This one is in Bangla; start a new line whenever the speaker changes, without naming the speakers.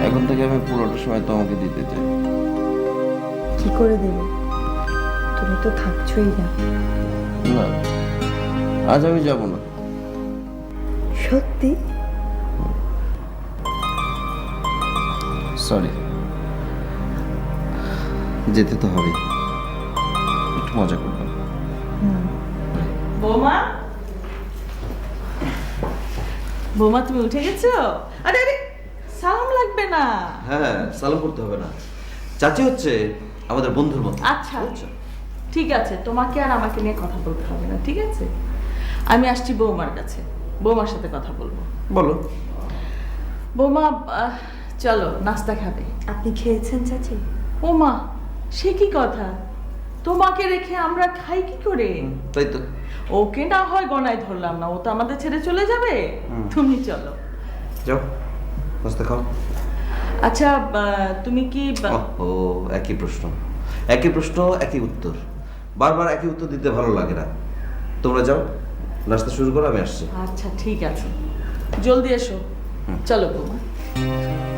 এখন থেকে আমি পুরোটা সময় তোমাকে দিতে চাই।
কি করে দেবে? তুমি তো থাকছোই না।
না, আজ আমি যাব না।
সত্যি?
সরি, যেতে তো হবেই, একটু মজা করলাম।
বৌমা, বৌমা তুমি উঠে গেছো? আরে আরে, সালাম লাগবে না।
হ্যাঁ, সালাম করতে হবে না। চাচি হচ্ছে আমাদের বন্ধুর মতো।
আচ্ছা ঠিক আছে, তোমাকে আর আমাকে নিয়ে কথা বলতে হবে না, ঠিক আছে? আমি আসছি বৌমার কাছে, বৌমার সাথে কথা বলবো।
বলো।
বৌমা, চলো নাস্তা খাবে।
আপনি খেয়েছেন চাচি?
ও মা, সে কি কথা? তোমাকে রেখে আমরা খাই কি করে?
তাই তো।
ওকে না হয় গনায় ধরলাম না, ও তো আমাদের ছেড়ে চলে যাবে। তুমি চলো।
যাও, নাস্তা খাও।
আচ্ছা, তুমি কি
ও একই প্রশ্ন, একই প্রশ্ন, একই উত্তর। বারবার একই উত্তর দিতে ভালো লাগে না। তোমরা যাও, নাস্তা শুরু করো, আমি আসছি।
আচ্ছা ঠিক আছে, জলদি এসো। চলো বৌমা।